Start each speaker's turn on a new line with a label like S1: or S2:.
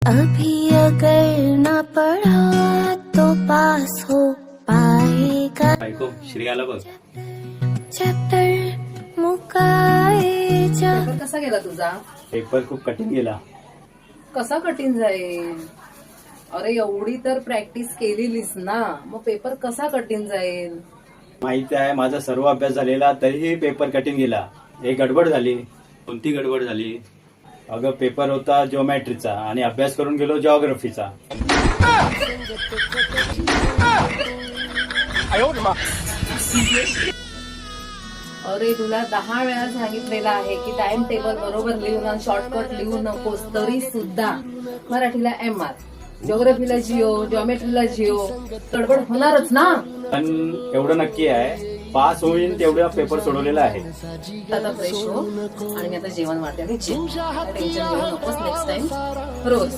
S1: अभी अगर न पढ़ा तो पास हो पाएगा।
S2: बायको श्री आला बघ.
S1: चॅप्टर मुकायच्या.
S3: पेपर कसा गेला तुझा?
S2: पेपर खूप कठीण गेला.
S3: कसा कठीण जाईल? अरे एवढी तर प्रॅक्टिस केलेलीस ना, मग पेपर कसा कठीण जाईल?
S2: माहिती आहे माझा सर्व अभ्यास झालेला तरीही पेपर कठीण गेला. हे गडबड झाली. कोणती गडबड झाली? अगं पेपर होता जिओमॅट्रीचा आणि अभ्यास करून गेलो जिओग्राफीचा.
S3: अरे तुला 10 वेळा सांगितलेलं आहे की टाइम टेबल बरोबर लिहू ना, शॉर्टकट लिहू नकोस. तरी सुद्धा मराठीला MR, जिओग्राफीला जिओ, जॉमेट्रीला जिओ, गडबड होणारच ना.
S2: पण एवढं नक्की आहे पास होईल तेवढा पेपर सोडवलेला आहे.
S3: आता फ्रेश हो आणि मी आता जेवण वाढते आणि टेन्शन घेऊ नकोस. नेक्स्ट टाइम रोज